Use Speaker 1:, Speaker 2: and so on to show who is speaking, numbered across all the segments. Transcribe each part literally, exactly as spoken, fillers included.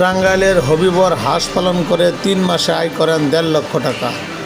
Speaker 1: টাঙ্গাইলের হবিবর হাঁস পালন করে তিন মাসে আয় করেন দেড় লক্ষ টাকা।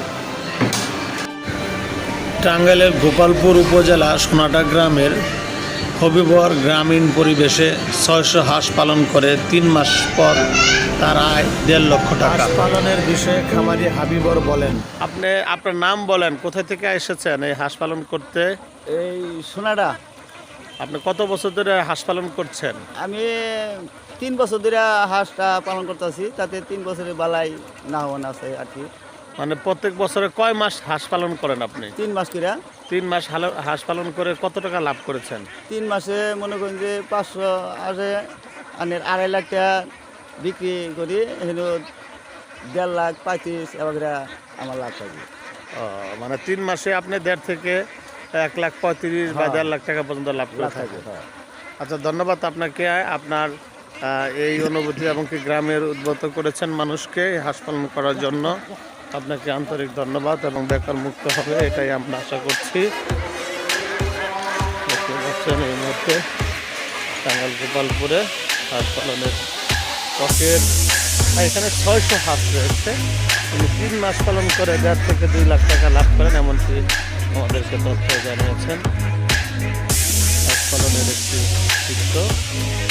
Speaker 1: টাঙ্গাইলের গোপালপুর উপজেলা সোনাটা গ্রামের হবিবর গ্রামীণ পরিবেশে ছয়শো হাঁস পালন করে তিন মাস পর তার আয় দেড় লক্ষ টাকা। হাঁস পালনের বিষয়ে খামারি হাবিবর বলেন, আপনি আপনার নাম বলেন, কোথা থেকে এসেছেন এই হাঁস পালন করতে?
Speaker 2: এই সোনাটা
Speaker 1: আপনি কত বছর ধরে হাঁস পালন করছেন?
Speaker 2: আমি তিন বছর ধরে হাঁসটা পালন করতেছি, তাতে তিন বছরের বালাই না হওয়ান আছে আর কি।
Speaker 1: মানে প্রত্যেক বছরে কয় মাস হাঁস পালন করেন আপনি?
Speaker 2: তিন মাস করে।
Speaker 1: তিন মাস হালো- হাঁস পালন করে কত টাকা লাভ করেছেন?
Speaker 2: তিন মাসে মনে করেন যে পাঁচশো আসে, আনের আড়াই লাখ টাকা বিক্রি করি, হলো দেড় লাখ পঁয়ত্রিশ এবার আমার লাভ থাকি।
Speaker 1: ও, মানে তিন মাসে আপনি দেড় থেকে এক লাখ পঁয়ত্রিশ বা
Speaker 2: হ্যাঁ।
Speaker 1: দেড় লাখ টাকা পর্যন্ত লাভ করে
Speaker 2: লাভ
Speaker 1: থাকেন।
Speaker 2: থাকে, হ্যাঁ।
Speaker 1: আচ্ছা, ধন্যবাদ আপনাকে। আপনার আহ, এই অনুভূতি এবং কি গ্রামের উদ্বুদ্ধ করেছেন মানুষকে এই হাঁস পালন করার জন্য। আপনাকে আন্তরিক ধন্যবাদ এবং বেকার মুক্ত হবে এটাই আমরা আশা করছি। দেখতে পাচ্ছেন এই মুহূর্তে টাঙ্গাইল গোপালপুরে হাঁস পালনের টকের এখানে ছয়শো হাঁস রয়েছে। তিনি তিন মাস পালন করে দেড় থেকে দুই লাখ টাকা লাভ করেন, এমনকি আমাদেরকে তথ্য জানিয়েছেন। হাঁস পালনের একটি চিত্র।